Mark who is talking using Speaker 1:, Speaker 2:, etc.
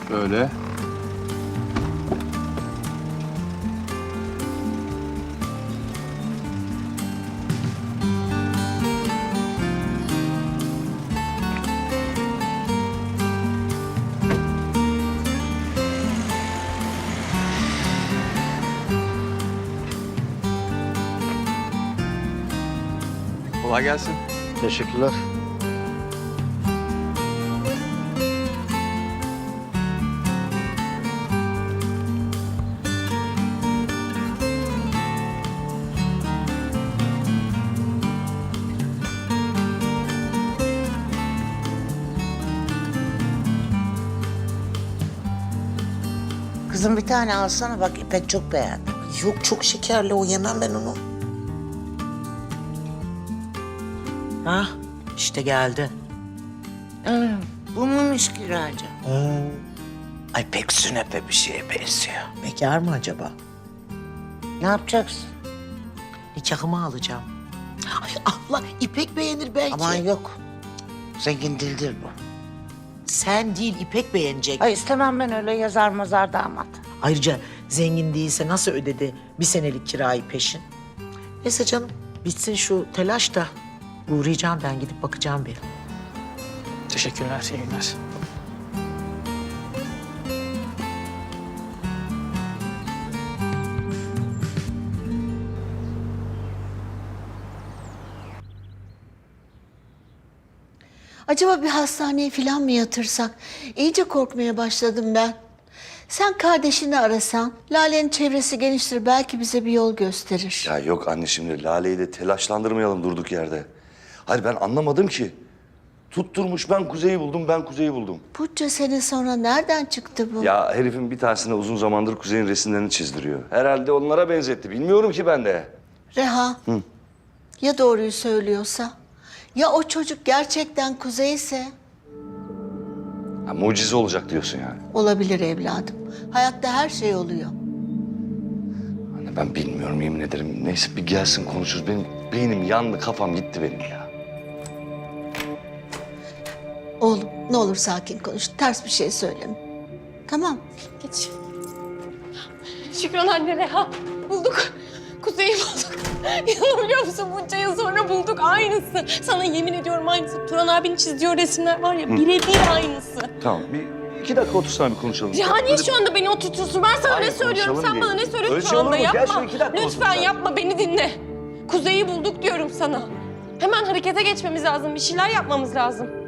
Speaker 1: Böyle. Kolay gelsin.
Speaker 2: Teşekkürler.
Speaker 3: Kızım bir tane alsana bak İpek çok beğendi.
Speaker 4: Yok çok şekerli o, yemem ben onu.
Speaker 3: Ha işte geldi. Bu muymuş kiracı?
Speaker 4: Ay pek sünepe bir şeye benziyor. Bekar mı acaba?
Speaker 3: Ne yapacaksın?
Speaker 4: Nikahımı alacağım. Ay abla İpek beğenir belki.
Speaker 3: Aman yok. Zengin dildir bu.
Speaker 4: Sen değil İpek beğenecek.
Speaker 3: Ay istemem ben öyle yazar mazar damat.
Speaker 4: Ayrıca zengin değilse nasıl ödedi bir senelik kirayı peşin? Neyse canım bitsin şu telaş da uğrayacağım ben, gidip bakacağım bir.
Speaker 5: Teşekkürler, iyi günler.
Speaker 6: Acaba bir hastaneye falan mı yatırsak? İyice korkmaya başladım ben. Sen kardeşini arasan, Lale'nin çevresi geniştir, belki bize bir yol gösterir.
Speaker 7: Ya yok anne, şimdi Lale'yi de telaşlandırmayalım durduk yerde. Hayır ben anlamadım ki. Tutturmuş ben Kuzey'i buldum, ben Kuzey'i buldum.
Speaker 6: Bunca sene sonra nereden çıktı bu?
Speaker 7: Ya herifin bir tanesine uzun zamandır Kuzey'in resimlerini çizdiriyor. Herhalde onlara benzetti. Bilmiyorum ki ben de.
Speaker 6: Reha, ya doğruyu söylüyorsa? Ya o çocuk gerçekten Kuzey ise?
Speaker 7: Ha, mucize olacak diyorsun yani.
Speaker 6: Olabilir evladım. Hayatta her şey oluyor.
Speaker 7: Anne ben bilmiyorum, yemin ederim. Neyse bir gelsin konuşuruz. Benim beynim yandı, kafam gitti benim ya.
Speaker 6: Oğlum ne olur sakin konuş, ters bir şey söyleme. Tamam.
Speaker 8: Geç. Şükran anne, Reha. Bulduk. Kuzey'i bulduk. İnanabiliyor musun? Bunca yıl sonra bulduk. Aynısı. Sana yemin ediyorum aynısı. Turan abinin çizdiği o resimler var ya, birebir aynısı.
Speaker 7: Tamam bir 2 dakika otursana bir konuşalım.
Speaker 8: Reha niye
Speaker 7: Böyle-
Speaker 8: şu anda beni oturtuyorsun? Ben sana
Speaker 7: Hayır,
Speaker 8: ne söylüyorum?
Speaker 7: konuşalım
Speaker 8: Sen bana
Speaker 7: diye.
Speaker 8: ne söylüyorsun
Speaker 7: Öyle
Speaker 8: şu
Speaker 7: şey olur
Speaker 8: anda?
Speaker 7: mu? Gel
Speaker 8: Yapma.
Speaker 7: şöyle 2 dakika
Speaker 8: Lütfen
Speaker 7: otur.
Speaker 8: yapma, beni dinle. Kuzey'i bulduk diyorum sana. Hemen harekete geçmemiz lazım. Bir şeyler yapmamız lazım.